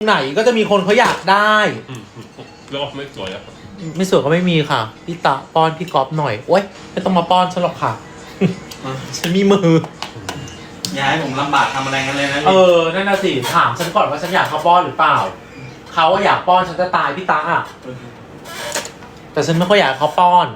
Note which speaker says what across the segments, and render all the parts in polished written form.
Speaker 1: ไหนก็จะมีคนเขาอยากได้
Speaker 2: แล้วไม่สวยอ่ะ
Speaker 1: ไม่สวยก็ไม่มีค่ะพี่ตะป้อนพี่ก๊อฟหน่อยโอ๊ยไม่ต้องมาป้อนฉันหรอกค่ะฉันมีมือ
Speaker 3: อย่าให้ผมลำบากทำอะไรกันเลยนะ
Speaker 1: นั่นน่ะสิถามฉันก่อนว่าฉันอยากเขาป้อนหรือเปล่าเขาอยากป้อนฉันจะตายพี่ตาอ่ะแต่ฉันไม่ค่อยอยากเขาป้อน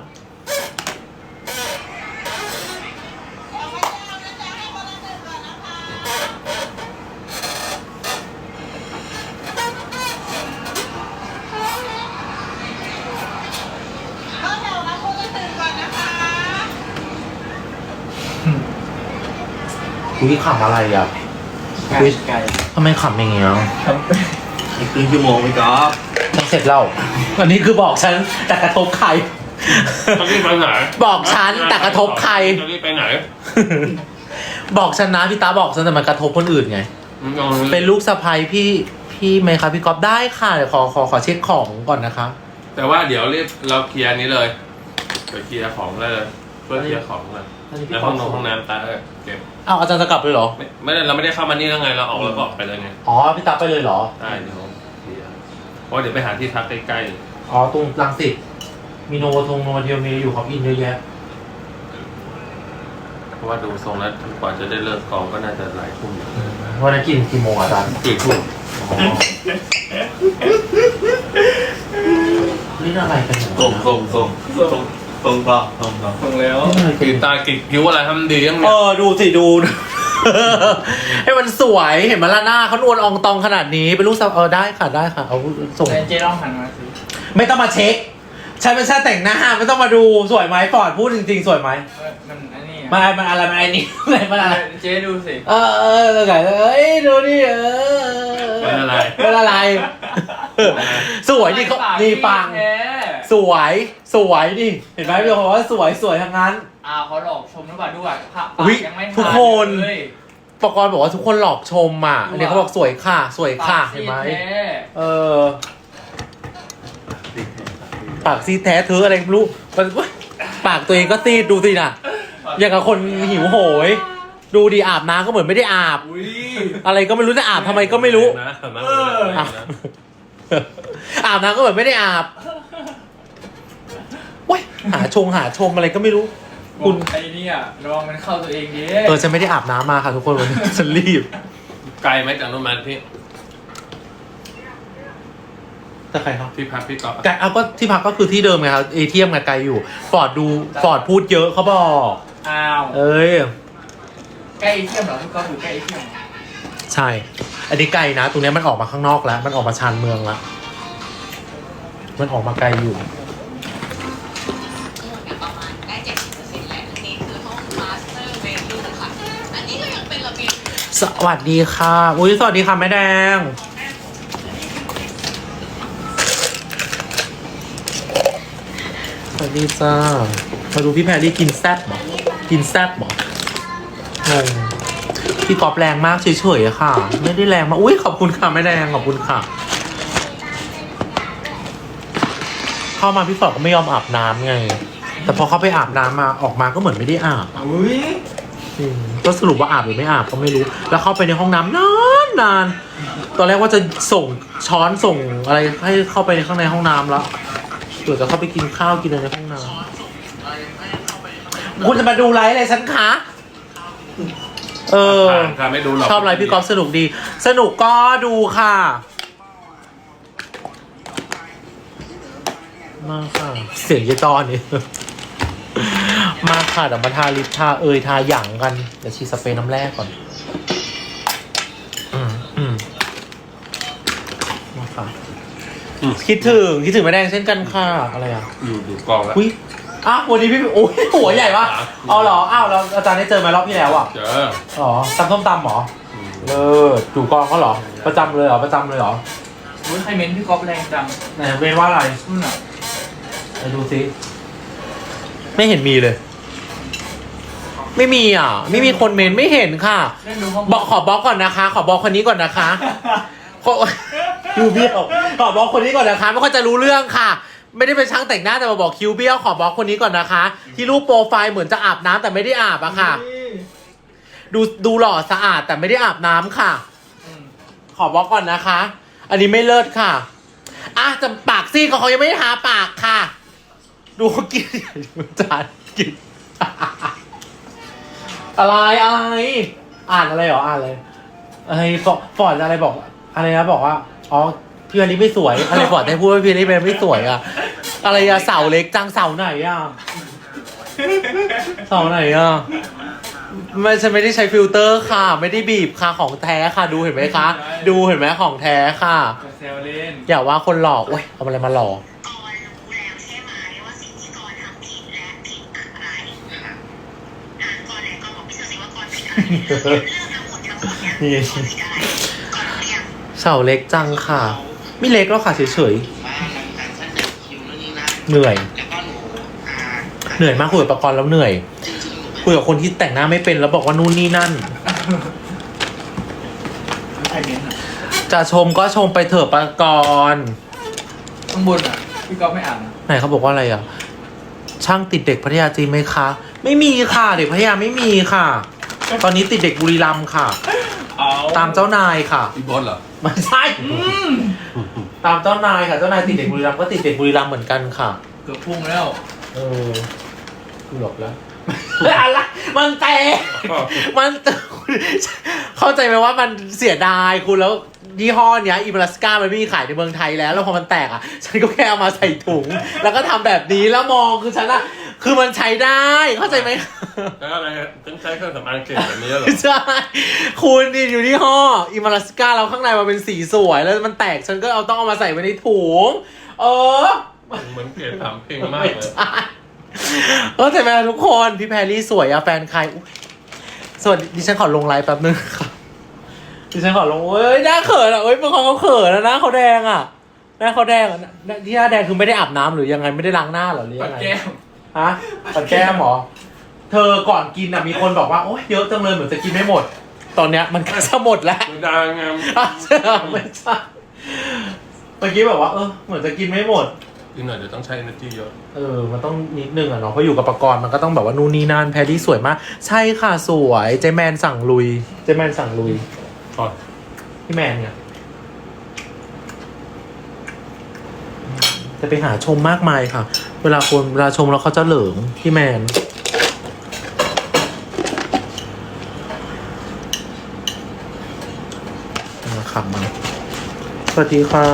Speaker 1: คุยขำอะไรอ่ะคุยทำไมขำอย่างเงี้ย
Speaker 3: อีกครึ่งชั่วโมงพี่ก๊อฟ
Speaker 1: ต้องเสร็จแล้วอันนี้คือบอกฉันแต่กระทบใคร
Speaker 2: จะรีบไปไหน
Speaker 1: บอกฉันแต่กระทบใคร
Speaker 2: จะรีบไปไหน
Speaker 1: บอกฉันนะพี่ตาบอกฉันแต่มันกระทบคนอื่นไงเป็นลูกสะใภ้พี่ไหมครับพี่ก๊อฟได้ค่ะเดี๋ยวขอเช็คของก่อนนะคะ
Speaker 2: แต่ว่าเดี๋ยวรีบเราเคลียร์นี้เลยไปเคลียร์ของเลยเพื่อเคลียร์ของเลยในห้องน้ำตาเก็บ
Speaker 1: เอาอาจารย์จะกลับเลยเหรอ
Speaker 2: ไม่ได้เราไม่ได้เข้ามานี่แล้วไงเราออกแล้วก็ออกไปเลยไง
Speaker 1: อ๋อพี่ตาไปเลยเหรอ
Speaker 2: ได้เดี๋ยวเพราะเดี๋ยวไปหาที่พักใกล้
Speaker 1: ๆอ๋อตรงรังสิตมีโนโนเทียวมีอยู่ของอินเยอะแยะ
Speaker 2: เพราะว่าดูทรงแล้วกว่าจะได้เลิกกองก็น่าจะหลายทุ่ม
Speaker 1: วันนั้นกี่โมงอาจารย์
Speaker 2: ทุ่ม
Speaker 1: นี่อะไรกัน
Speaker 3: ส่งแล้ว
Speaker 2: กินตากินคิ้วอะไรทำดียัง
Speaker 1: ดูสิดูให้มันสวยเห็นมาละหน้าเขานวลอองตองขนาดนี้เป็นลูกสาวได้ค่ะเอาส่ง
Speaker 3: เจ๊ต้องหันมาสิ
Speaker 1: ไม่ต้องมาเช็คฉันเป็นชาแต่งหน้าไม่ต้องมาดูสวยไหมฟอร์ดพูดจริงๆสวยไหม
Speaker 3: มันอันนี้
Speaker 1: มันอะไรมันไอ้นี่มันอะไร
Speaker 3: เจ๊ดูสิ
Speaker 1: ไงดูนี่
Speaker 2: เป็น
Speaker 1: อะไรสวยนี่เขานี่ปังสวยนี่เห็นไหมพี่บอกว่าสวยทั้งนั้น
Speaker 3: เขาหลอกชมหรือเปล่าด้วย
Speaker 1: ยังไม่ทุกคนปกรณ์บอกว่าทุกคนหลอกชมอ่ะอันนี้เขาบอกสวยค่ะเห็นไหมปากซีแท้เธออะไรไม่รู้ปากตัวเองก็ซีดดูสิน่ะอย่างกับคนหิวโหยดูดีอาบน้ำก็เหมือนไม่ได้อาบอะไรก็ไม่รู้จะอาบทำไมก็ไม่รู้อาบน้ำก็เหมือนไม่ได้อาบว้ยหาชมอะไรก็ไม่รู้
Speaker 3: คุณไอ้นี่ระวังมันเข้าตัวเองดิ
Speaker 1: ฉันไม่ได้อาบน้ำมาค่ะทุกคนวันนี้ฉันรีบ
Speaker 2: ไกลไหมจากนู้นมาพี่
Speaker 1: แต่ใครครับ
Speaker 2: ที่พักพี่ก๊อฟ
Speaker 1: ก็ที่พักก็คือที่เดิมไงครับเอเทียมไกลอยู่ฟอร์ดพูดเยอะเขาบอก
Speaker 3: ใกล้เอเทียมเหรอพี่ก๊อฟอยู่ใกล้เอเทียม
Speaker 1: ใช่อันนี้ไกลนะตรงนี้มันออกมาข้างนอกแล้วมันออกมาชานเมืองแล้วมันออกมาไกลอยู่
Speaker 4: ประมาณได้ 70% และอันนี้คือห้องมาสเตอร์เบดรูมค่ะอันนี้ก็ยังเป็นระเบียง
Speaker 1: สวัสดีค่ะสวัสดีค่ะแม่แดงสวัสดีจ้ามาดูพี่แพรรี่กินแซ่บหรองงพี่กอบแรงมากเฉยๆค่ะไม่ได้แรงมากขอบคุณค่ะแม่แดงขอบคุณค่ะเข้ามาพี่ฟอร์ดก็ไม่ยอมอาบน้ำไงแต่พอเขาไปอาบน้ำมาออกมาก็เหมือนไม่ได้อาบก็สรุปว่าอาบหรือไม่อาบก็ไม่รู้แล้วเข้าไปในห้องน้ำนานตอนแรกว่าจะส่งช้อนส่งอะไรให้เข้าไปในข้างในห้องน้ำแล้วเดี๋ยวจะเข้าไปกินข้าวกินอะไรในห้องน้ำคุณจะมาดูไลฟ์อะไรฉันคะ
Speaker 2: ไม่ดูหรอก
Speaker 1: ชอบไลฟ์พี่ก๊อฟสนุกดีสนุกก็ดูค่ะมาค่ะเสียงเยจอนนี่มาค่ะเดี๋ยวมาทาลิปทาทาหยั่งกันเดี๋ยวฉีดสเปรย์น้ำแร่ก่อนมาค่ะคิดถึงแม่แดงเช่นกันค่ะอะไร
Speaker 2: ดูกองแล้ว
Speaker 1: วันนี้พี่หัวใหญ่ปะเอาเหรอแล้วอาจารย์ได้เจอไหมรอบที่แล้ว
Speaker 2: เจอ
Speaker 1: ตำส้มตำหรอดูกองเขาเหรอประจำเลยเหรอ
Speaker 3: ใครเม้นพี่ก๊อฟแรงจัง
Speaker 1: ไหนเม้นว่าอะไรไปดูซิไม่เห็นมีเลยไม่มีไม่มีคนเม้นไม่เห็นค่ะขอบล็อกก่อนนะคะขอบล็อกคนนี้ก่อนนะคะคิวเบี้ยวขอบล็อกคนนี้ก่อนนะคะไม่ค่อยจะรู้เรื่องค่ะไม่ได้เป็นช่างแต่งหน้าแต่มาบอกคิวเบี้ยวขอบล็อกคนนี้ก่อนนะคะที่รูปโปรไฟล์เหมือนจะอาบน้ำแต่ไม่ได้อาบค่ะดูหล่อสะอาดแต่ไม่ได้อาบน้ำค่ะขอบล็อกก่อนนะคะอันนี้ไม่เลิศค่ะอ่ะจะปากซี่เขายังไม่ได้ทาปากค่ะ ดูเขากินจานกิน อะไรอ่านอะไรเหรออ่านเลยอะไรฟอร์ดอะไรบอกอะไรนะบอกว่าอ๋อพี่อลิไม่สวยอะไรฟอร์ดได้พูดว่าพี่อลิไม่สวยอะอะไรอะเสาเล็กจังเสาไหนอะเสาไหนอะไม่ฉันไม่ได้ใช้ฟิลเตอร์ค่ะ ไม่ได้บีบค่ะของแท้ค่ะดูเห็นไหมคะ ดูเห็นไหมของแท้ค่ะ
Speaker 3: จะแซวเล่น
Speaker 1: อย่าว่าคนหล่อโอ้ยเอาอะไรมาหล่อก
Speaker 4: รรู้แล้วใช่ไหมว่าสิ่งที่กรทำผิดและผิดอะไรกรแล้วกรบอกพี่เชอสิว่ากรผิดอะไรเรื่องทั้งหมดเนี่ยกรผิดอะไรกรรู้หรือยัง
Speaker 1: เสาเล็กจังค่ะ ไม่เล็กหรอกค่ะเฉย
Speaker 5: ว่าการเสนอคิวนู่นนี่นั่น
Speaker 1: ๆเหนื่อย
Speaker 5: แล้วก็หนูอ่า
Speaker 1: เหนื่อยมากคุยกับประกรณ์แล้วเหนื่อย
Speaker 5: จริงๆหนู
Speaker 1: คุยกับคนที่แต่งหน้าไม่เป็นแล้วบอกว่านู่นนี่นั่น
Speaker 3: ใครเม้นอ่ะ
Speaker 1: จะชมก็ชมไปเถอะประกรณ์
Speaker 3: ข้างบนอ่ะพี่ก๊อฟไม่อ่านอะ
Speaker 1: ไหนเขาบอกว่าอะไรอ่ะ ช่างติดเด็กพัทยาจริงไหมคะ ไม่มีค่ะเด็กพัทยาไม่มีค่ะ ตอนนี้ติดเด็กบุรีรัมย์ค่ะ
Speaker 3: เอา
Speaker 1: ตามเจ้านายค่ะ
Speaker 2: พี่บอสเหรอ
Speaker 1: ไม่ใช่ตามเจ้านายค่ะเจ้านายติดเด็กบุรีรัมย์ก็ติดเด็กบุรีรัมย์เหมือนกันค่ะ
Speaker 3: เกือบพุ่งแล้ว
Speaker 1: เออหลบแล้ว อะไรมันแตกมันเข้าใจไหมว่ามันเสียดายคุณแล้วยี่ห้อเนี้ยอิมรัสกามันไม่มีขายในเมืองไทยแล้วพอมันแตกอ่ะ ฉันก็แค่เอามาใส่ถุง แล้วก็ทำแบบนี้แล้วมองคือฉันอ่ะคือมันใช้ได้เข้าใจไหม
Speaker 2: แล้วอะไรต้องใช้เครื่องสำอางเก่งแบบนี้เหรอ
Speaker 1: ใช่คุณนี่อยู่ที่ห้ออิมรัสกาแล้วข้างในมันเป็นสีสวยแล้วมันแตกฉันก็ต้องเอามาใส่ไว้ในถุง
Speaker 2: เหมือนเกลียดถามเพลงมากเลย
Speaker 1: เข้าใจไหมทุกคนพี่แพรรี่สวยอะแฟนใครอุ๊ยสวัสดีดิฉันขอลงไลฟ์แป๊บนึงค่ะดิฉันขอลงเอ้ยหน้าเขินอะเอ้ยเป็นคนเขาเขินแล้วนะเขาแดงอะหน้าเขาแดงอะที่หน้าแดงคือไม่ได้อาบน้ำหรือยังไงไม่ได้ล้างหน้าเหรอหรือ
Speaker 3: ปั
Speaker 1: ยั
Speaker 3: ด
Speaker 1: งไง
Speaker 3: แก้ม
Speaker 1: ฮะปัดแก้มเหรอเธอก่อนกินอะมีคนบอกว่าโอ๊ยเยอะจังเลยเหมือนจะกินไม่หมด ตอนเนี้ยมันก็จะหมดแล้ว
Speaker 2: ไม่ดังงาม
Speaker 1: ไม่ใช่เมื่อกี้แบบว่าเหมือนจะกินไม่หมด
Speaker 2: อีกหน่อยเดี๋ยวต้องใช้ energy เยอะ
Speaker 1: มันต้องนิดนึงอะเนาะเพราะอยู่กับประกรณ์มันก็ต้องแบบว่านู่นนี่นั่นแพรรี่สวยมากใช่ค่ะสวยเจแมนสั่งลุยเจแมนสั่งลุย
Speaker 2: ก่อน
Speaker 1: พี่แมนเนี่ยจะไปหาชมมากมายค่ะ เวลาชมแล้วเขาจะเหลิงพี่แมนมาขับมาสวัสดีค่ะ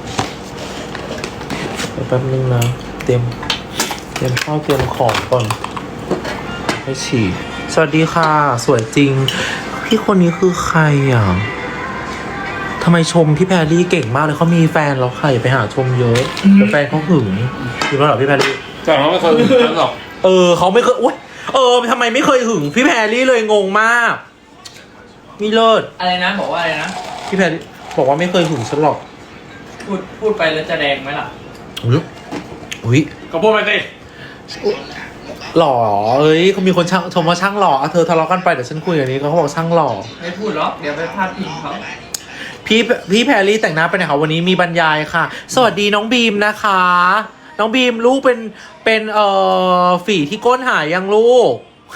Speaker 1: เดี๋ยวแป๊บนึงนะเตรียมข้าวเตรียมของก่อนให้ฉีดสวัสดีค่ะ สวยจริง พี่คนนี้คือใครอ่ะทำไมชมพี่แพรรี่เก่งมากเลยเขามีแฟนแล้วค่ะอย่าไปหาชมเยอะเดี๋ยวแฟนเขาหึงจริงป่ะเหรอพี่แพรรี่
Speaker 2: แต่เขาไม่เคยถึงนั้นหรอก
Speaker 1: เขาไม่เคยอุ๊ยทำไมไม่เคยหึงพี่แพรรี่เลยงงมากมีเลิศ
Speaker 3: อะไรนะบอกว่าอะไรนะ
Speaker 1: พี่แพรรี่บอกว่าไม่เคยหึงฉันหรอก
Speaker 3: พูดไปแล้วจะแดงไหมล่ะ
Speaker 1: อุ้ย
Speaker 2: ก็พูดไปสิ
Speaker 1: หล่อเอ้ยเขามีคนชมว่าช่างหล่อเธอทะเลาะกันไปเดี๋ยวฉันคุยอย่างนี้เขาบอกช่างหล่อ
Speaker 3: ไม่พูดหรอกเดี๋ยวไปพาดพิงเขา
Speaker 1: พี่แพรรี่แต่งหน้าไปไหนคะวันนี้มีบรรยายค่ะ สวัสดีน้องบีมนะคะ น้องบีมลูกเป็นฝีที่ก้นหายยังลูก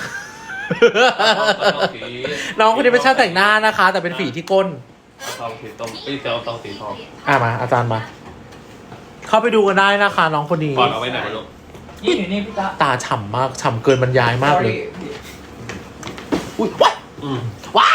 Speaker 1: น้องคนนี้เป็นช่างแต่งหน้านะคะ แต่เป็นฝีที่ก้น
Speaker 2: ทองสีต้มเซลทองสีทอง
Speaker 1: มาอาจารย์มา เข้าไปดูกันได้นะคะ น้องคนนี้
Speaker 2: ก่อนเอาไว้ไหนลูก
Speaker 3: นี่อยู่นี่พี่ตา
Speaker 1: ตาฉ่ำมากฉ่ำเกินบรรยายมากเลย อุ้ยว้าย
Speaker 2: อืม
Speaker 1: ว้าย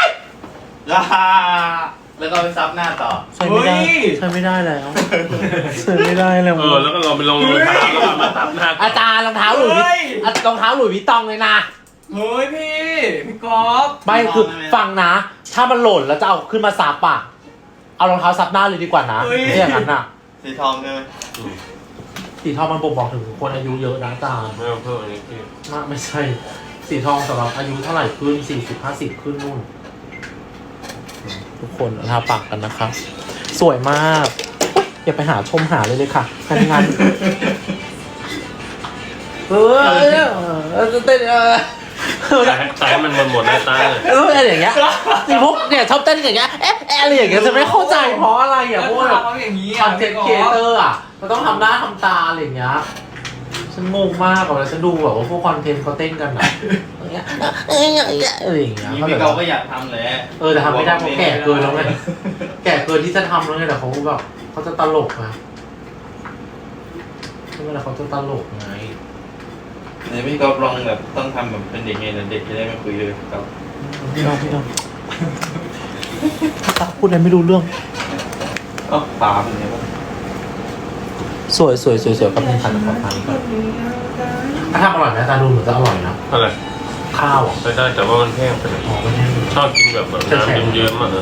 Speaker 5: แล้วก็ไปซับหน้าต่อ
Speaker 1: ใช้ไม่ได้ใช้ไม่ได้แล้วใช้ไม่ได้แล้ว
Speaker 2: แล้วก็เราไปลงรองเท้าแล้วก็มาตับหน้า
Speaker 1: อาจารย์รองเท้าหลุยรองเท้าหลุยส์วิตตองเลยนะ
Speaker 3: เฮ้ยพี่ก๊อฟ
Speaker 1: ไม่คือฟังนะ ถ้ามันหล่นแล้วจะเอาขึ้นมาซับอ่ะเอารองเท้าซับหน้าเลยดีกว่านะไม่อย่างนั้นอ่ะ
Speaker 5: สีทองใช่ไหม
Speaker 1: สีทองมันบ่งบอกถึงคนอายุเยอะนะอาจารย์
Speaker 2: ไม่ต้องเพิ่มอันนี้พี่
Speaker 1: ไม่ใช่ สีทองสำหรับอายุเท่าไหร่ขึ้น40-50ขึ้นนู่นทุกคนทาปากกันนะคะสวยมากอุ๊ยอย่าไปหาชมหาเลยค่ะงานเต้น
Speaker 2: ใส่ให้มันหมดหน้าตาเลย
Speaker 1: อะไรอย่างเงี้ยสิพวกเนี่ยชอบเต้นอย่างเงี้ยอะไรอย่างเงี้ยจะไม่เข้าใจเพราะอะไรอ่ะพวกแบบ
Speaker 3: เขาอย่างนี้
Speaker 1: คอนเทนต์ครีเอเตอร์อ่ะมันต้องทำหน้าทำตาอะไรอย่างเงี้ยฉันงงมากอะแล้วฉันดูแบบว่าพวกคอนเทนต์เขาเต้นกันอะอย่างเงี้ยอะไรอย่างเงี้ย
Speaker 5: พี่เขาก็อยากทำแหละ
Speaker 1: แต่ทำไม่ได้เพราะแก่เกินแล้วไงแก่เกินที่จะทำแล้วไงแต่เขาแบบเขาจะตลกนะเวลาเขาจะตลกไง
Speaker 5: ไหนพี่ก๊อฟลองแบบต้องทำแบบเป็นเด็กไงนะเด็กจะได้มาคุยเลยครับ
Speaker 1: พี่น้องพูดอะไรไม่รู้เรื่อง
Speaker 5: อ๋อตาเป็นไงบ้าง
Speaker 1: สวยกับเป็นพันกับพันก่อนถ้าทำอร่อยไหมอาจารย์ดูเหมือนจะอร่อยนะ
Speaker 2: อะไร
Speaker 1: ข้าวอ่ะ
Speaker 2: ไม่ได้แต่ว่ามันแห้งไปหน่อย
Speaker 1: อ๋อไม่ใช่
Speaker 2: ชอบกินแบบน้ำเยิ้มๆอ่ะ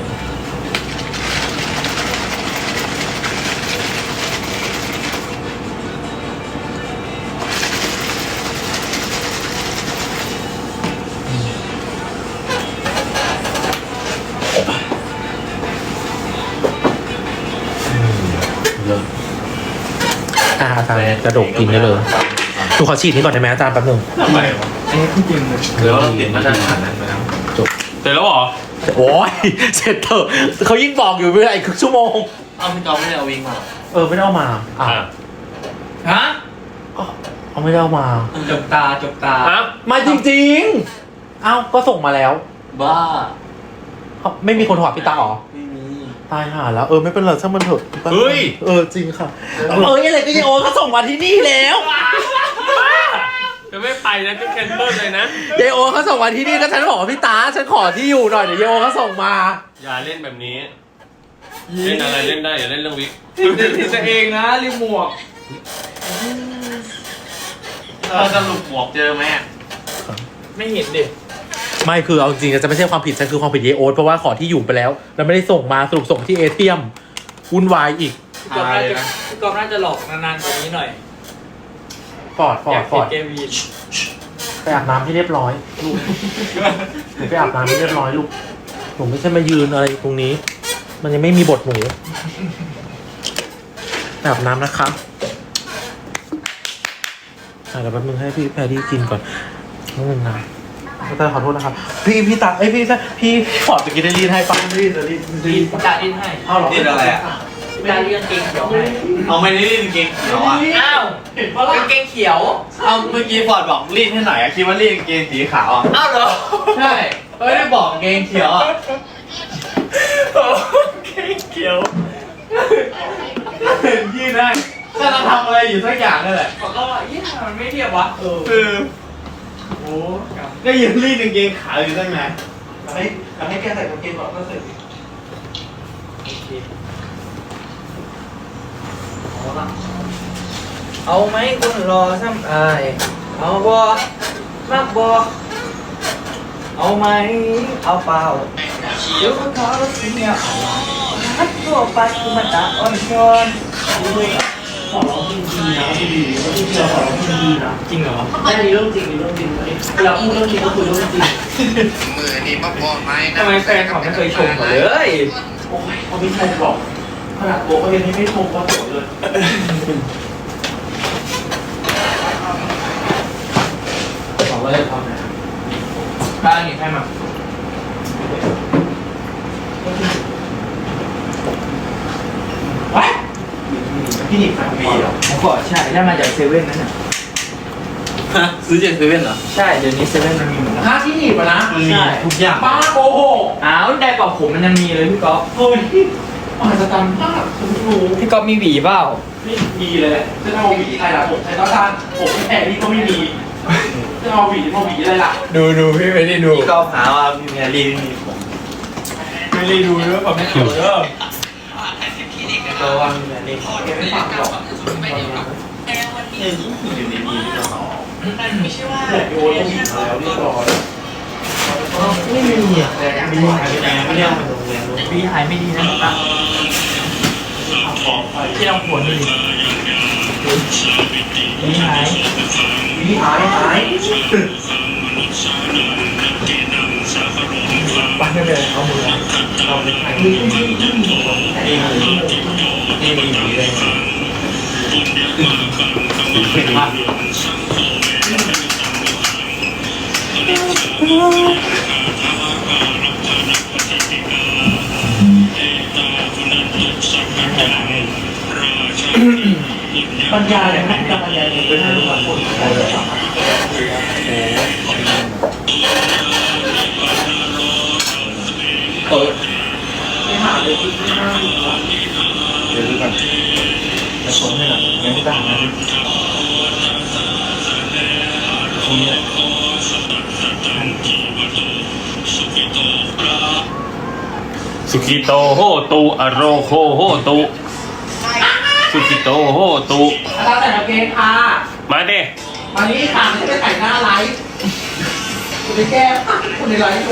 Speaker 1: เยอะอาจารย์กระดกกินได้เลยดูขอฉีดนี้ก่อนได้ไหมอาจารย์แป๊บนึง
Speaker 2: ทำไมวะ
Speaker 3: อันนี้พูดจริงเลย
Speaker 5: หรือว่าเราติดมาตรฐานนั้นไปแล้ว
Speaker 1: จบ
Speaker 2: เสร็จแล้วเหรอ
Speaker 1: โอ้ยเสร็จเถอะเขายิ่งบอกอยู่เวลาอีกครึ่งชั่วโมง
Speaker 5: เอ้าพี่ก๊อฟไม่ได้เอาวิ่งมา
Speaker 1: ไม่ได้เอามาอ่ะ
Speaker 3: ฮะ
Speaker 1: เอาไม่ได้เอามา
Speaker 3: จบตา
Speaker 2: ฮะ
Speaker 1: มาจริงๆก็ส่งมาแล้ว
Speaker 5: บ้า
Speaker 1: ไม่มีคนถอดพี่ตาหรอ
Speaker 5: ไม่มี
Speaker 1: ตายห่าแล้วไม่เป็นไรช่างมันเถอะ
Speaker 2: เฮ้ย
Speaker 1: จริงค่ะอะไรก็ยังเขาส่งมาที่นี่แล้ว
Speaker 2: จะไม่ไปนะจะแคนเซิลเลยนะ
Speaker 1: เยโอเขาส่งมาที่นี่ก็ฉันบอกว่าพี่ตาฉันขอที่อยู่หน่อยเดี๋ยวเยโอเขาส่งมา
Speaker 2: อย่าเล่นแบบนี้ เล่นอะไรเล่นได้อย่าเล่นเรื่องวิก
Speaker 3: ติดตัวเองนะรีโมท
Speaker 5: เราสรุปหมวกเจอไหม
Speaker 3: ไม่เห็นดิ
Speaker 1: ไม่คือเอาจริงๆจะไม่ใช่ความผิดฉันคือความผิดเยโอเพราะว่าขอที่อยู่ไปแล้วแล้วไม่ได้ส่งมาสรุปส่งที่เอเทียมวุ่นวายอีก
Speaker 3: พี่กอฟน่าจะหลอกนานๆกว่านี้หน่อย
Speaker 1: ฟอร์ด
Speaker 3: เกมวีน
Speaker 1: ไปอาบน้ำให้เรียบร้อยลูกหนูไปอาบน้ำให้เรียบร้อยลูกหนูไม่ใช่มายืนอะไรตรงนี้ มันยังไม่มีบทหนูไปอาบน้ำนะคะเดี๋ยวแป๊บนึงให้พี่แพรรี่กินก่อนนิดนึงนะอาจารย์ขอโทษนะครับพี่ตาพี่ฟอร์ดจะกินได้รีดให้ป้ารีดจะรีด
Speaker 3: พี่ตาดิ้นให้
Speaker 1: เอาหรอ
Speaker 5: ติดอะไรอ่ะ
Speaker 3: พี่ตาดิ้นกางเกงเขียวให้
Speaker 5: เอาไม่ได้รีดกางเกงเขียวอ่ะ
Speaker 3: อ้าวกางเกงเขียว
Speaker 5: เอาเมื่อกี้ฟอร์ดบอกรีดให้หน่อยอะคิดว่ารีดกางเกงสีขาวอ่ะ
Speaker 3: อ้าวเหรอ
Speaker 5: ใช่ไม่ได้บอกกางเกงเขียวอ่ะ
Speaker 3: เกงเขียว
Speaker 5: ยืดได้ถ้าเราทำอะไรอยู่สักอย่างนั่นแหละ
Speaker 3: บอกก็ยี่ห้อมันไม่เทียบวะ
Speaker 5: คือ
Speaker 3: โอ้ครับ
Speaker 5: ก็ยืนรีดกางเกงขาวอยู่ตั้งนาน
Speaker 1: ให้แกใส่กางเกงก่อนก็เสร็จ
Speaker 3: เอาไหมคุณรอซ้ำอายเอาบอมากบอเอาไหมเอาเปล่าเดี๋ยวเขาสิเนี่ยฮัดตัวไปคือมันตาอ่อนช้อน
Speaker 1: ขอร้องจริงๆนะดีๆที่เราขอร้องจริงๆนะ
Speaker 3: จริงเหรอ
Speaker 1: ไม่มีเรื่องจริงเวลาพูดเรื่องจริงก็คุยเรื่องจริง
Speaker 5: มือนี่มาพอไหม
Speaker 3: ทำไมแฟนเขาไม่เคยชมเขาเลย
Speaker 1: โอ้ยเขาไม่ชมหรอกขนาดตัวเขายังไม่ชมเขาโสดเลยบอกว่าจะทำไง
Speaker 3: บ้านนี่ให้มา
Speaker 1: วะพี่หนิบขายมีเหรอ
Speaker 3: ผมก็ใช่ได้มาจากเซเว่นนั่นน่ะ
Speaker 5: ฮะซื้อจากเซเว่นเหรอ
Speaker 3: ใช่เดี๋ยวนี้เซเว่นมันมีหมดแล้ว
Speaker 1: ค่าที่หนิบอะนะ
Speaker 5: มันมีทุกอย่าง
Speaker 1: ป้าโกหก
Speaker 3: อ้าวได้กว่าผมมันยังมีเลยพี่ก๊อฟ
Speaker 1: เฮ้ยอาจจะจำมากฉันไม่รู้
Speaker 3: พี่ก๊อฟมีหวีเปล่า
Speaker 1: ไม่มีเลยจะเอาหวีอะไรล่ะผมใช้ต้องการผมไม่แพ้นี่ก็ไม่มีจะเอาหวีอะไรล่ะ
Speaker 3: ดูพี่ไม่ได้ดู
Speaker 5: พี่ก็หาว่าพี่แมรี่ไม่มีผม
Speaker 3: ไม่ได้ดูด้วยผมไม่เกี่ยวเด้อ
Speaker 5: ก็ว่าพี่แมรี่
Speaker 1: แกไม่ฟังหรอก
Speaker 5: เนี่ยอยู่ในนี้พี่ก็หอ
Speaker 4: ไม่ใช่ว่า
Speaker 1: โยนต้องหวีแล้วเรียบร้อย
Speaker 3: ไม่มีอ่ะ
Speaker 5: ไม่ได้หายไปไหนไม่ได้เอามาโรงแรมเลย
Speaker 3: วีหายไม่ดีนะตาที่เราปวดนี่วีหาย
Speaker 1: หวีหาย
Speaker 3: ปันเลยเอามือเอาไปถ่าย
Speaker 5: นี่มีเลย
Speaker 3: เบรรยายเลยนะบรรยายเลยเป็นทุกวันพูดได้เลยไม่หาเลยที่ไม่น่าดูเดี๋ยวดูกันจะชมให้หน่อยยังไม่ต่างนะตรงนี้
Speaker 2: สุกิโตโหตุอโรโคโหตุสุกิโตโหตุ
Speaker 1: อาจารย์ใส่กางเกงค่ะ
Speaker 2: มาเด้
Speaker 1: มานี่ค่ะไม่ใช่ไปถ่ายหน้าไลฟ์คุณไปแก้คนในไลฟ์ดู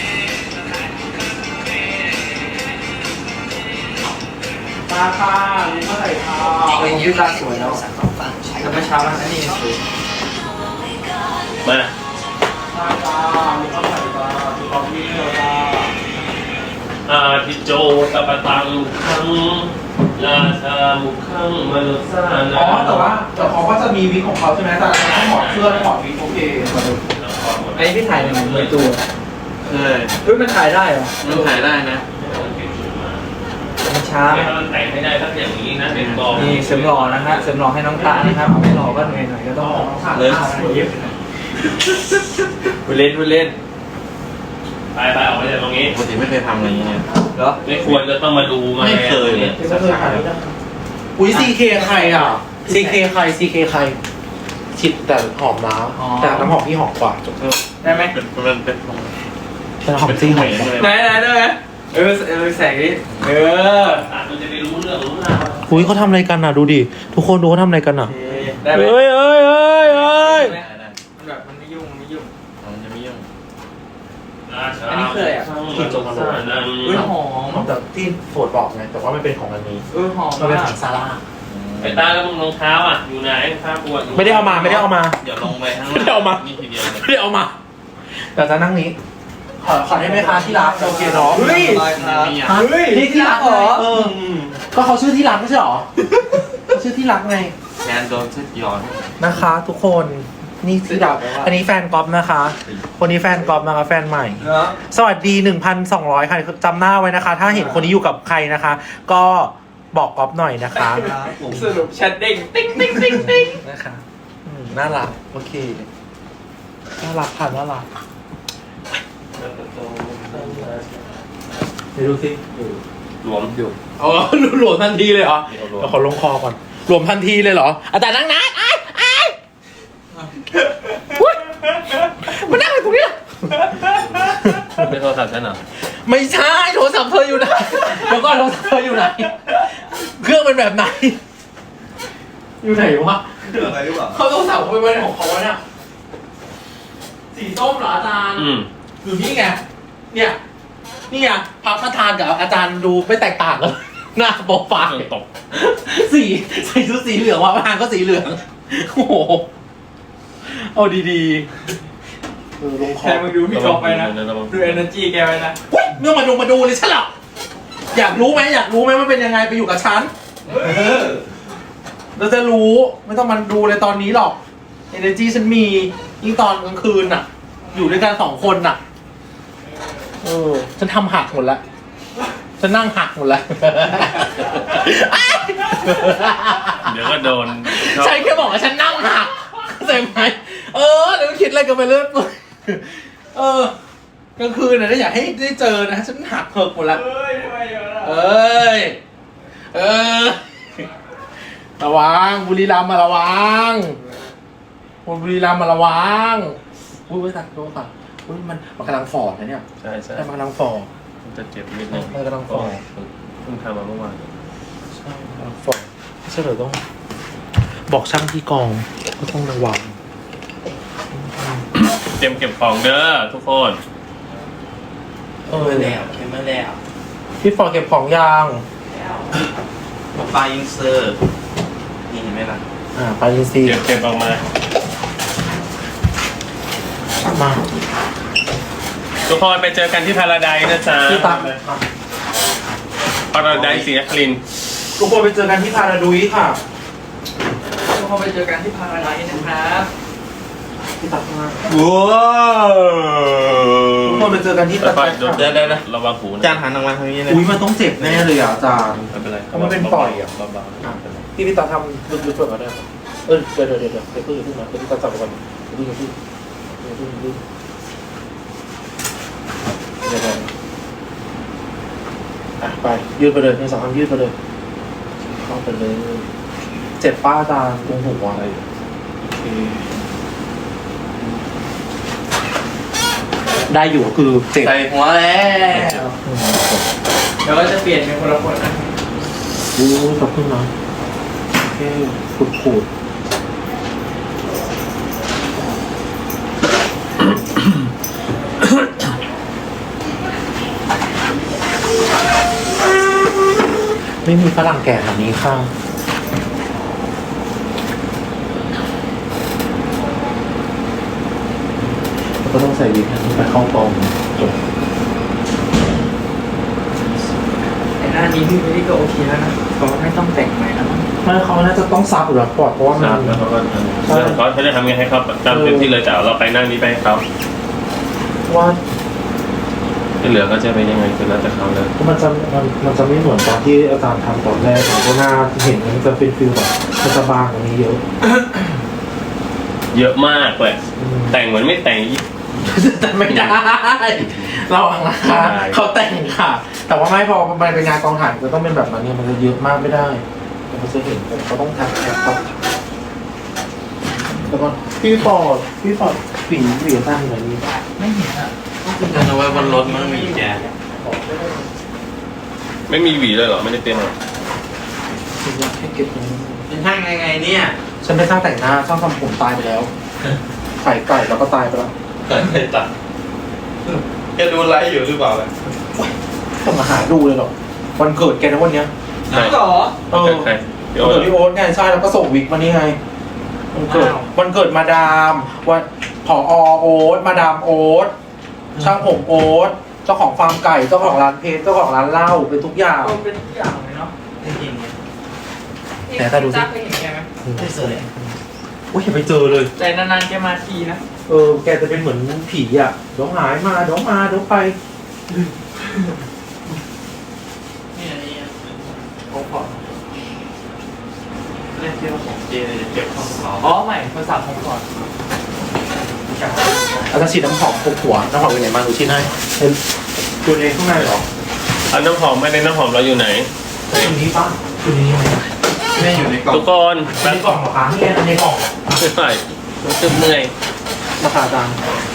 Speaker 1: มาค่ะนี่มาใส่ค่ะ
Speaker 3: เป็นยืดตาสวยแล้วแต่เมื่อเช้ามันอันนี้สวย
Speaker 2: มา
Speaker 1: มาค่ะนี่มาใส่ค่ะดูความวิ่งเลยค่ะ
Speaker 2: อาทิโจตปตังคังราชามุขังมนุษานา
Speaker 1: อ๋อแต่เขาก็จะมีวิกของเขาใช่ไหมแต่ต้องถอดเสื้อถอดวิกโอเค
Speaker 3: ไอ้พี่ถ่ายในมือตัว
Speaker 5: เออ
Speaker 3: เฮ้ยมันถ่ายได้เหรอ
Speaker 5: มันถ่ายได้นะ
Speaker 3: มันช้า
Speaker 2: ถ้ามันแต่งไม่ได้สักอย่างนี้นะเป็นกอง
Speaker 3: นี่เสริมหล่อนะฮะเสริมหล่อให้น้องตานะครับไม่หล่อก็เหนื่อยหน่อยก็ต้อง
Speaker 5: เลย
Speaker 3: พูดเล่นพูดเล่น
Speaker 2: ไปออกไปจากตรงนี้
Speaker 5: ปกติไม่เคยทำอะไรอย่างเงี้ย
Speaker 3: เหรอ
Speaker 2: ไม่ควรจะต้องมาดูมา
Speaker 5: ไม่เคยเลย
Speaker 1: ไม่เคยถ่ายด้วยกันอุ้ย CK ใครอ่ะ CK ใคร CK ใครฉีดแต่หอมนะแต่น้ำหอมพี่หอมกว่าจบเถอะ
Speaker 3: ได้ไหม
Speaker 5: มันเป็น
Speaker 1: แต่หอมจริงหอมกว่า
Speaker 3: ไหนได้ไหมแสงนี้
Speaker 2: มันจะไปรู้เรื่องรู้ราว
Speaker 1: อุ้ยเขาทำอะไรกันอ่ะดูดิทุกคนดูเขาทำอะไรกันอ่ะ
Speaker 3: ได้ไหม
Speaker 1: เอ้ย
Speaker 3: มันแบบมันไม่ยุ่งไม่ยุ่ง
Speaker 5: มันจะไม่ยุ่ง
Speaker 3: อันนี้คืออะไรอ่ะ อุ้ยหอม
Speaker 1: หอมแบบที่โฟดบอกไงแต่ว่ามันเป็นของอันนี้
Speaker 3: หอม
Speaker 1: มันเป็น
Speaker 3: มา
Speaker 1: ข
Speaker 3: ก
Speaker 1: องซาร่า
Speaker 2: ไปตาแล้วมึงรองเท้าอ่ะอยู่ไหนข้าปวด
Speaker 1: ไม่ได้เอามาไม่ได้เอามา
Speaker 5: เดี๋ยวลงไปข้าง
Speaker 1: ไม่ได้เอามา
Speaker 5: นี่ทีเดียวเลย
Speaker 1: ไม่ได้เอามาแต่จะนั่งนี้ขอได้ไหมคะที่รักโอเคเนาะ
Speaker 3: เฮ้ย
Speaker 5: มีอ่ะ
Speaker 3: เฮ้ย
Speaker 1: นี่ที่รัก
Speaker 3: เหรอ
Speaker 1: ก็เขาชื่อที่รักไม่ใช่หรอเขาชื่อที่รักไง
Speaker 5: แทนโดนเซ็ตย้อน
Speaker 1: นะคะ ทุกคนนี่ที่รักอันนี้แฟนก๊อฟนะคะ คนนี้แฟนก๊อฟนะคะแฟนใหม่
Speaker 3: เนาะ
Speaker 1: สวัสดี 1,200 ค่ะจำหน้าไว้นะคะ ถ้าเห็นคนนี้อยู่กับใครนะคะ ก็บอกก๊อฟหน่อยนะคะ
Speaker 3: สรุปแชทเด้งติ๊งติ๊งติ๊งติ๊ง
Speaker 1: นะคะน่ารักโอเคน่ารักค่ะน่ารักเดี๋ยวดูสิ
Speaker 2: หลวมอยู่
Speaker 1: อ๋อหลวมทันทีเลยเหรอเดี๋ยวขอลงคอก่อนหลวมทันทีเลยเหรออาจารย์นั่งนะไอ้มานั่งอยู่ตรงนี้
Speaker 2: ไม่โทรศัพท์ฉันเหรอ
Speaker 1: ไม่ใช่โทรศัพท์เธออยู่ไหนเดี๋ยวก่อนโทรศัพท์เธออยู่ไหนเครื่องเป็นแบบไหนอยู่ไหนวะ
Speaker 3: อะไรหรือเปล่า
Speaker 1: เขาต้องสั่งไปไว้ในของเขาเนี่ยสีส้มเหรออาจารย์อยู่นี่ไงเนี่ยนี่ไงพระประธานกับอาจารย์ดูไม่แตกต่างกันหน้าโปรไฟล์
Speaker 2: ตก
Speaker 1: สีใส่ชุดสีเหลืองว่ะประธานก็สีเหลืองโอ้โหเอาดีๆลงคอ
Speaker 3: แค่มึงดูพี่กอล์ฟไปนะดู energy แกไปนะ
Speaker 1: เว้ยเมื่อมาดูเลยฉันหรออยากรู้ไหมมันเป็นยังไงไปอยู่กับฉันเราจะรู้ไม่ต้องมันดูเลยตอนนี้หรอก energy ฉันมียิ่งตอนกลางคืนน่ะ อยู่ด้วยกัน2 คนน่ะฉันทำหักหมดแล้วฉันนั่งหักหมดแล้ว
Speaker 2: เดี๋ยวก็โดน
Speaker 1: ใช่แค่บอกว่าฉันนั่งหักเข้าใจไหมเดี๋ยวคิดอะไรกันไปเรื่อยกลางคืนน่ะอยากให้ได้เจอนะฉันหักเหิกหมดแล้ว เอ้ยระวังบุรีรัมย์มาระวังบุรีรัมย์มาระวังอุ้ยไว้ตัดโดนค่ะอุ้ยมันกำลังฟอดนะเนี่ย
Speaker 2: ใช่
Speaker 1: มันกำลังฟอด
Speaker 2: มันจะเจ็บนิดนึง
Speaker 1: มันกำลังฟอด
Speaker 2: เพิ่งทำมาเมื่อวาน
Speaker 1: ใช่กำลังฟอดไม่ใช่เหรอต้อง บอกช่างที่กองก็ต้องระวัง
Speaker 2: เตรียมเก็บของเด้อทุกคน
Speaker 5: เคมเมอร์แล้ว
Speaker 1: พี่ฟอร์ดเก็บของยาง
Speaker 5: ปลาอินเซอร์นี่เห็นไหมล่ะ
Speaker 1: ไปยินซี
Speaker 2: เก็บออกมา
Speaker 1: มา
Speaker 2: ทุกคนไปเจอกันที่พาราไดซ์นะจ๊ะ
Speaker 1: ที่ตามเลยค่ะ
Speaker 2: พาราไดซ์ศรีนครินทร์
Speaker 1: ทุกคนไปเจอกันที่พาราดุยค่ะ
Speaker 3: ทุกคนไปเจอกันที่พาราไดซ์นะครับพี่ตัดข้างล่าง
Speaker 5: ว้าว
Speaker 3: ทุกคนไปเจอกันที่ตัด
Speaker 2: ไป
Speaker 3: ค่ะ
Speaker 5: เดี๋ยว
Speaker 2: ระวังหูนะ
Speaker 5: จานหันออกมาทางนี้เลย
Speaker 3: อุ้ยมันต้องเจ็บแน่เลยอ่ะอาจารย์
Speaker 2: ไม่เป็นไร
Speaker 3: มันเป็นปล่อยอะ
Speaker 2: เบาๆ
Speaker 3: พี่ตัดทำลึกๆก่อนก็ได้ครับเดี๋ยวเพิ่งนะพี่ตัดจับก่อนเดี๋ยวไปยืดไปเลยในสองคำยืดไปเลยเข้าไปเลยเจ็บป้าอาจารย์ตรงหัวอะไรโอเคได้อยู่คือเจ็บ
Speaker 5: ใส่หัวแล้ว
Speaker 3: เดี๋ยวก็จะเปลี่ยนเป็นคนละคนนะดูขอบคุณนะแค่ขูดไม่มีฝรั่งแก่แบบนี้ค่ะก็ต้องใส่วิกไปเข้ากองจบ
Speaker 6: แต่หน้านี้พี่ไม่ได้ก็โอเคแล้วนะเขาไม่ต้องแต่งใหม่แล้วมั้ง
Speaker 3: ไม่เขาน่าจะต้องซับหรือปลอดเพราะว่ามัน
Speaker 2: ครับแล้วเขาก็เขาจะทำไงให้เขาตามเต็มที่เลยแต่เราไปนั่งนี้ไปให้เขา
Speaker 3: ว่า
Speaker 2: ที่เหลือก็จะเป็นยังไงคือแล้วแต่เขาเลย
Speaker 3: มันจะไม่เหมือนตอนที่อาจารย์ทำตอนแรกเพราะหน้าเห็นมันจะเป็นฟิลแบบมันจะบางกว่านี้เยอะ
Speaker 2: เยอะมากเลยแต่งเหมือนไม่แต่ง
Speaker 3: แต่ไม่ได้เราอังนะคะเขาแต่งค่ะ แต่ว่าไม่พอมันเป็นงานกองถ่ายจะต้องเป็นแบบนั้นเนี่ยมันจะเยอะมากไม่ได้มันจะเห็นเขาต้องแท็บครับแล้วก็พี่ฟอร์ดฝีสั้นแบบนี้
Speaker 6: ไม่เห็นอ่ะ
Speaker 5: มันเอาไว้บนรถมันมีแก
Speaker 2: ไม่มีหวีเลยเหรอไม่ได้เตรียมหรอ
Speaker 3: ให้เก็บเงิน
Speaker 5: เป็นช่างไงเนี่ย
Speaker 3: ฉันเป็นช่างแต่งหน้าช่างทำผมตายไปแล้วไก่แล้วก็ตายไปแล้ว
Speaker 5: เกิดอะไรตัดแกดูไลฟ์อยู่หรือเปล่าล่ะ
Speaker 3: ต้องมาหาดูเลยหรอวันเกิดแกนะวันเนี้ย
Speaker 2: ใช่
Speaker 6: หรอ
Speaker 3: เออ
Speaker 2: ใคร
Speaker 3: วันเกิดพี่โอ๊ตไงใช่แล้วก็ส่งวิกมานี่ไงวันเกิดมาดามวันผอโอ๊ตมาดามโอ๊ตช่างผมโอ๊ตเจ้าของฟาร์มไก่เจ้าของร้านเพชรเจ้าของร้านเหล้าเป็นทุกอย่าง
Speaker 6: เป็นทุกอย่างเลยเนาะ
Speaker 5: จริงๆเนี่ย
Speaker 3: แต่ถ้าดูสิ
Speaker 6: จ้าเคยเห็นแกไหม
Speaker 5: ไม่เคย
Speaker 3: อุ้ยอย่าไปเจอเลย
Speaker 6: แต่นานๆแกมาทีนะ
Speaker 3: แกจะเป็นเหมือนผีอ่ะเดี๋ยวหายมาเดี๋ยวไป
Speaker 5: เนี่ยเขาขอเล่นเที่ยวของเจเลยจะเก็บของเขา
Speaker 6: อ๋อใหม่ภาษาผมก่อน
Speaker 3: อาจจะฉีดน้ำหอมปลุกหัวน้ำหอมอยู่ไหนมาดูชิ้นให้เป็นตัวเองข้างในเหรอ
Speaker 2: เอาน้ำหอมไม่ได้น้ำหอมเราอยู่ไหน
Speaker 3: อยู่นี้ป่ะอยู่นี้ไหม
Speaker 5: แม่อยู่ในกล่อง
Speaker 2: ทุกคน
Speaker 3: อันนี้กล่องเหรอคะนี่อันนี้กล่อง
Speaker 2: ไม่ไหวรู้สึกเหนื่อย
Speaker 3: ราคาจัง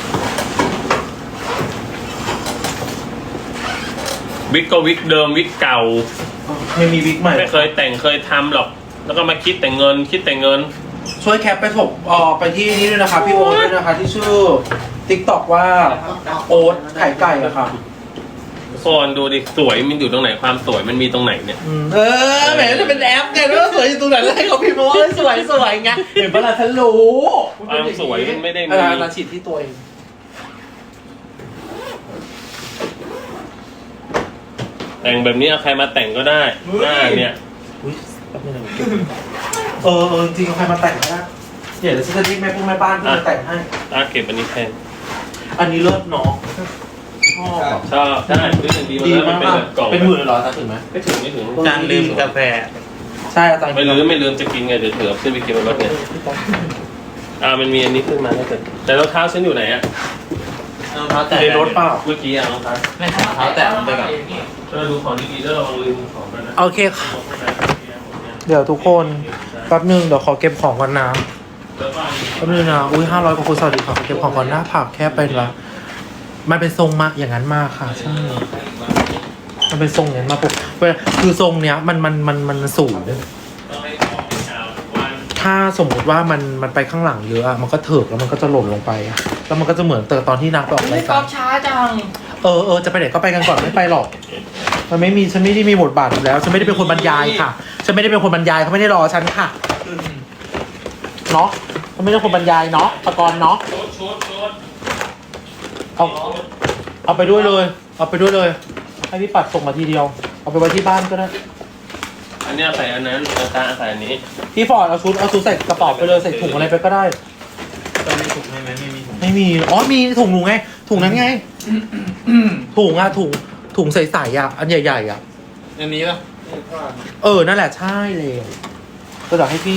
Speaker 2: วิกก็วิกเดิมวิกเก่า
Speaker 3: ไม่มีวิกใหม่
Speaker 2: ไม่เคยแต่งเคยทำหรอก แล้วก็มาคิดแต่เงิน
Speaker 3: ช่วยแคปไปถกไปที่นี่ด้วยนะคะพี่โอ๊ตด้วยนะคะที่ชื่อ TikTok ว่าโอ๊ตไข่ไก่อะค่ะ
Speaker 2: ทุกคนดูดิสวยมันอยู่ตรงไหนความสวยมันมีตรงไหนเนี่ย
Speaker 3: แหมจะเป็นแอปไงแล้วสวยอยู่ตรงไหนแล้วให้เขาพิมพ์มาว่าสวยไงเห็นปะล่ะฉันรู้
Speaker 2: ความสวยมันไม่ได้มี
Speaker 3: เราฉีดที่ตัวเอง
Speaker 2: แต่งแบบนี้เอาใครมาแต่งก็ได้หน้าเนี่ย
Speaker 3: อุ้ยแป๊บนึงนะจริงใครมาแต่งนะเดี๋ยวฉันจะเรียกแม่แม่บ้านที่มาแต่งให้
Speaker 2: เก็บอันนี้แทน
Speaker 3: อันนี้เลิศเนาะชอบ
Speaker 2: ชอบใช่รู้สึกดีมา
Speaker 3: ดี
Speaker 2: แล้วมั
Speaker 3: มาน ก
Speaker 2: เป็นแบบกล่อง
Speaker 3: เป็นหมื่นเลยเหรออาจารย์ถึงไหม
Speaker 2: ไม่ถึงไม่ถึง
Speaker 5: จานลืมกาแฟ
Speaker 3: ใช่อาจารย์
Speaker 2: ไม่ลืมจะกินไงเดี๋ยวเถือขึ้นไปกินบนรถเนี่ยมันมีอันนี้ขึ้นมาแล้วแต่รองเท้าฉันอยู่ไหนอะ
Speaker 5: รองเท้าแตะ
Speaker 3: ในรถเปล่า
Speaker 2: เมื่อกี้รองเท้า
Speaker 5: แม่รองเท้าแตะมันไปก่อน
Speaker 2: ดูของดีๆแล้วระวังลืมของกันนะ
Speaker 3: โอเคค่ะ เดี๋ยวทุกคนแป๊บนึงเดี๋ยวขอเก็บของก่อนนะ
Speaker 2: แล้วก็
Speaker 3: แป๊บนึงนะอุ้ย500กว่าคนสวัสดีค่ะขอเก็บของก่อนหน้าผักแค่เป็นละมันเป็นทรงมาอย่างนั้นมากค่ะใช่มันเป็นทรงอย่างนั้นมาปุ๊บคือทรงเนี้ยมันสูง ถ้าสมมุติว่ามันไปข้างหลังเยอะอะมันก็เถิกแล้วมันก็จะหล่นลงไปอะแล้วมันก็จะเหมือนตอนที่นักไปออก
Speaker 6: ไม่
Speaker 3: ราย
Speaker 6: ก
Speaker 3: กา
Speaker 6: อ
Speaker 3: ร
Speaker 6: บช้าจัง
Speaker 3: จะไปไหนก็ไปกันก่อนไม่ไปหรอกมันไม่มีฉันไม่ได้มีบทบาทอยู่แล้วฉันไม่ได้เป็นคนบรรยายค่ะฉันไม่ได้เป็นคนบรรยายเขาไม่ได้รอฉันค่ะเนาะฉันไม่ได้คนบรรยายเนาะประกรณ์เนาะ
Speaker 2: ชุด
Speaker 3: เอาไปด้วยเลยเอาไปด้วยเลยให้พี่ปัดส่งมาทีเดียวเอาไปไว้ที่บ้านก็ได้
Speaker 2: อันนี้ใส่อันนั้นตาใส่อันนี้
Speaker 3: พี่ฟอร์ดเอาชุดใส่กระเป๋าไปเลยใส่ถุงอะไรไปก็ได้
Speaker 2: ตอนนี้ทุก
Speaker 5: ไม่มีถุง
Speaker 1: ไม่มีอ๋อมีถุงหนูไงถุงนั้นไงถุงอะถุงใสๆอะอันใหญ่ๆอะ
Speaker 5: อันนี้ป่ะ
Speaker 1: นั่นแหละใช่เลยก็เดี๋ยวให้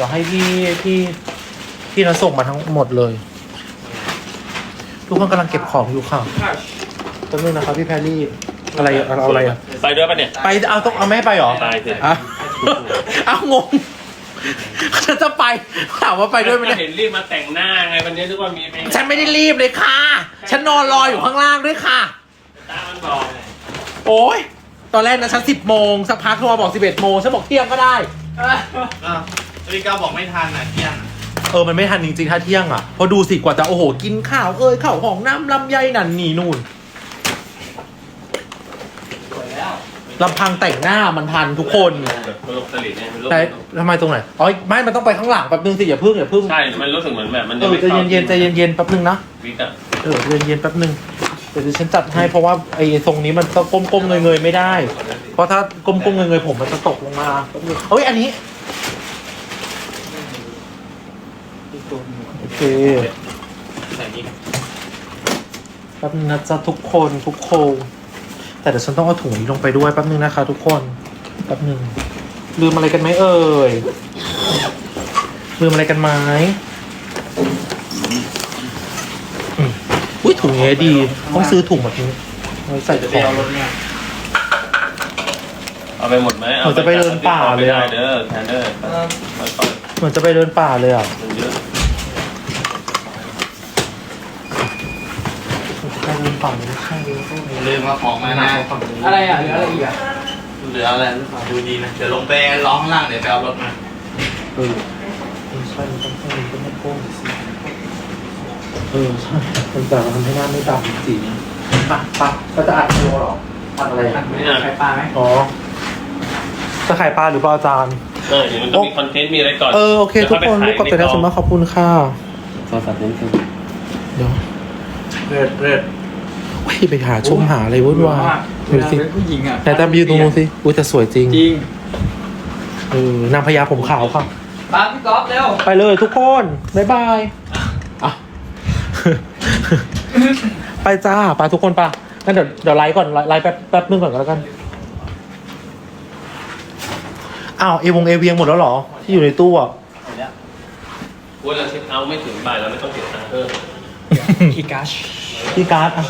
Speaker 1: พี่นะส่งมาทั้งหมดเลย ทุกคนกำลังเก็บของอยู่ค่ะแป๊บนึงนะครับพี่แพรรี่อะไรเอาอะไรอะ
Speaker 2: ไปด้วยปะเนี่ย
Speaker 1: ไปเอาแม่ไปเหรอ
Speaker 2: ไปสิ
Speaker 1: อ่ะเอางงฉันจะไปถามว่าไปด้วยไหมเนี่ย
Speaker 2: เห็นรีบมาแต่งหน้าไงวันนี้ทุกคนมีเพลง
Speaker 1: ฉันไม่ได้รีบเลยค่ะ ฉันนอนรออยู่ข้างล่างด้วยค่ะ
Speaker 2: ตามันบอก
Speaker 1: โอ้ยตอนแรกนะฉัน10 โมงสักพักโทรมาบอก11 โมงฉันบอกเที่ยงก็ได้
Speaker 5: พี่ก้าวบอกไม่ทันอ่ะเที่ยง
Speaker 1: มันไม่ทันจริงๆถ้าเที่ยงอ่ะเพราะดูสิกว่าจะโอ้โหกินข้าวข้าวของน้ำลำไยนั่นนี่นู่น
Speaker 3: สวยแล้ว
Speaker 1: ลำพังแต่งหน้ามันทันทุกคน
Speaker 2: แบบโลกสลิดเนี่ยมันรู้
Speaker 1: แต่ทำไมตรงไหนอ๋อไม่มันต้องไปข้างหลังแป๊บนึงสิอย่าพึ่ง
Speaker 2: ใช่ มันรู้สึกเหมือนแบบมัน
Speaker 1: ใจเย็นใจเย็นแป๊บนึงนะ
Speaker 2: วิกอะ
Speaker 1: ใจเย็นแป๊บนึงเดี๋ยวฉันจัดให้เพราะว่าไอ้ทรงนี้มันต้องก้มเงยไม่ได้ เพราะถ้าก้มเงยผมมันจะตกลงมาแป๊บนึงอันนี้โอเค
Speaker 5: ใส่นี่
Speaker 1: แป๊บนึงนะจ๊ะทุกคนแต่เดี๋ยวฉันต้องเอาถุงนี้ลงไปด้วยแป๊บนึงนะคะทุกคนแป๊บนึงลืมอะไรกันไหมเอ่ยลืมอะไรกันไหมอุ้ยถุงนี้ดีต้องซื้อถุงแบบนี้ไว้ใส่
Speaker 5: จะ
Speaker 1: ข
Speaker 5: ไป
Speaker 1: อง
Speaker 5: เอารถมา
Speaker 2: เอาไปหมดไหม
Speaker 1: เหมือนจะไปเดินป่าเลยอะ
Speaker 2: เด้อแทนเดอร์ไป
Speaker 1: เหมือนจะไปเดินป่าเลยอ่ะ
Speaker 2: มันเยอะ
Speaker 1: ไปเดินป่าไม่ใช่
Speaker 5: ลืมมาของมานะ
Speaker 3: อะไรอ่ะเหลืออะไรอีกอ่ะ
Speaker 5: เหลืออะไรหรือเปล่าดูดีนะเดี๋ยวลงไปร้องข้างล่างเดี๋ยวไปเอารถมา
Speaker 1: ไม่ใช่มันต้องไม่โค้งสิใช่มันแต่มันทำให้หน้าไม่ดำจริงปะก็จะอัดโชว์หรออัดอะไร
Speaker 3: อัดไม่ได้ไข่ปลาไหม
Speaker 1: อ๋อจะขายปลาหรือปลาอาจารย์
Speaker 2: เดี๋ยวมันต้องมีคอนเทนต์มีอะไรก่อน
Speaker 1: โอเคทุกคนลูกกดแต่แล้วสมมติขอบคุณค่ะ
Speaker 5: โทรศัพท์เล่นเครื่อง
Speaker 1: เดี๋ยว
Speaker 3: เลิศ
Speaker 1: ไปหาชมหาอะไรวุ่นวาย
Speaker 3: เว
Speaker 1: ดู
Speaker 3: ลา
Speaker 1: สิ
Speaker 3: เป็นผู้หญิงอ่ะ
Speaker 1: แต่ตามยืนตรงนู้นสิอุ้ยแต่สวยจริง
Speaker 3: จริง
Speaker 1: นางพญาผมขาวค่ะ
Speaker 3: ปาพี่ก๊อฟเร็ว
Speaker 1: ไปเลยทุกคนบ๊ายบายอ่ะ ไปจ้าไปทุกคนปะงั้นเดี๋ยวไลฟ์ก่อนไลฟ์แป๊บนึงก่อนก็แล้วกันอ้าวเอเวียงหมดแล้วเหรอ ที่อยู่ในตู้อ่ะ
Speaker 2: ว่าเราเช็คเอาท์ไม่ถึงบ่ายเราไม่ต้องเก็บตังค์เพิ่ม
Speaker 3: คีกัช
Speaker 1: พี่การ์ดอ่ะ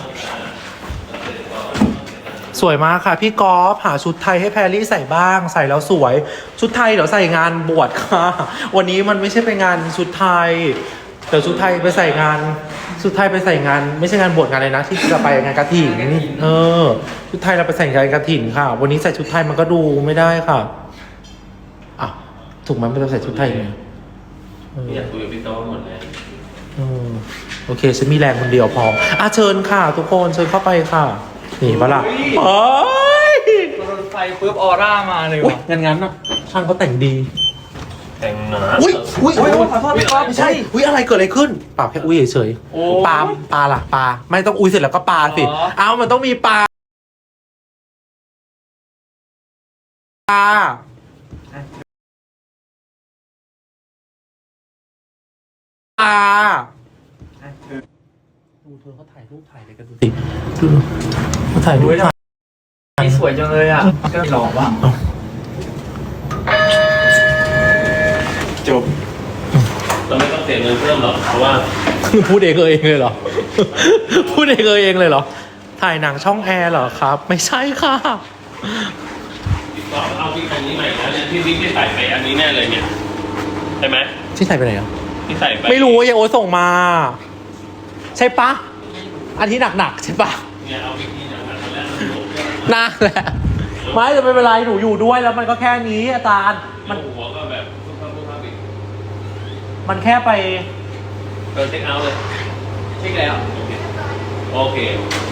Speaker 1: สวยมากค่ะ พี่กอล์ฟหาชุดไทยให้แพรรี่ใส่บ้างใส่แล้วสวย ชุดไทยเดี๋ยวใส่งานบวชค่ะ วันนี้มันไม่ใช่ไปงานชุดไทยเดี๋ยวชุดไทยไปใส่งานชุดไทยไปใส่งาน ไม่ใช่งานบวชงานอะไรนะที่จะไปงานกฐินชุดไทยเราไปใส่งานกฐินค่ะ วันนี้ใส่ชุดไทยมันก็ดูไม่ได้ค่ะอ่ะถูกไหมไม่ต้องใส่ชุดไทยไง
Speaker 2: ไม่อยากคุยกับพี่โต้หมดเลย
Speaker 1: โอเคฉันมีแรงคนเดียวพอเชิญค่ะ ทุกคนเชิญเข้าไปค่ะนี่ปะล่ะโอ้ย
Speaker 3: รถไฟปุ๊บออร่ามาเลย
Speaker 1: อุ้ย
Speaker 3: ว่ะ
Speaker 1: งั้นนะช่างเขาแต่งดี
Speaker 2: แต่งหนา
Speaker 1: อุ้ย
Speaker 3: ขอโทษพี่ก๊อฟ
Speaker 1: ไม่ใช่อุ้ยอะไรเกิดอะไรขึ้นปลาแค่อุ้ยเฉย
Speaker 3: โอ้
Speaker 1: ๆปลาล่ะปลาไม่ต้องอุ้ยเสร็จแล้วก็ปลาสิ
Speaker 3: อ๋อ
Speaker 1: เอามันต้องมีปลาดูเธอเขาถ่ายรูปถ่ายอะไรกันดูสิดูเขาถ่ายรูปถ่าย
Speaker 3: นี่สวยจังเลยอ่ะก็หล่อว่ะ
Speaker 5: จบ
Speaker 2: เราไม่ต้องเสียเงินเพิ่มหรอกเพราะว่า
Speaker 1: พูดเองเลยเหรอ พูดเองเลยเหรอ ถ่ายหนังช่องแอร์เหรอครับ ไม่ใช่ค่ะ
Speaker 2: พี่ก๊อฟเอาพี่อันนี้ใหม่แล้วเนี่ยที่ไม่ใส่ไปอันนี้แน่เลยเนี่ยใช่ไหม
Speaker 1: ที่ใส่ไปไหนอ่ะ
Speaker 2: ที่ใส่ไป
Speaker 1: ไม่รู้ยายโอ๊ตส่งมา ใช่ปะอันที่หนักๆใช่ปะ
Speaker 2: เนี่ยเอาวิกกี้หนักๆแล้ว
Speaker 1: น่าแหละไม่แต่ไม่เป็นไรหนูอยู่ด้วยแล้วมันก็แค่นี้อาจารย์
Speaker 2: มันหัวก็แบบพุ่งเข้าอีก
Speaker 1: มันแค่ไป
Speaker 2: เช็คเอาท์เลย
Speaker 3: เช็คแล้ว
Speaker 2: โอเค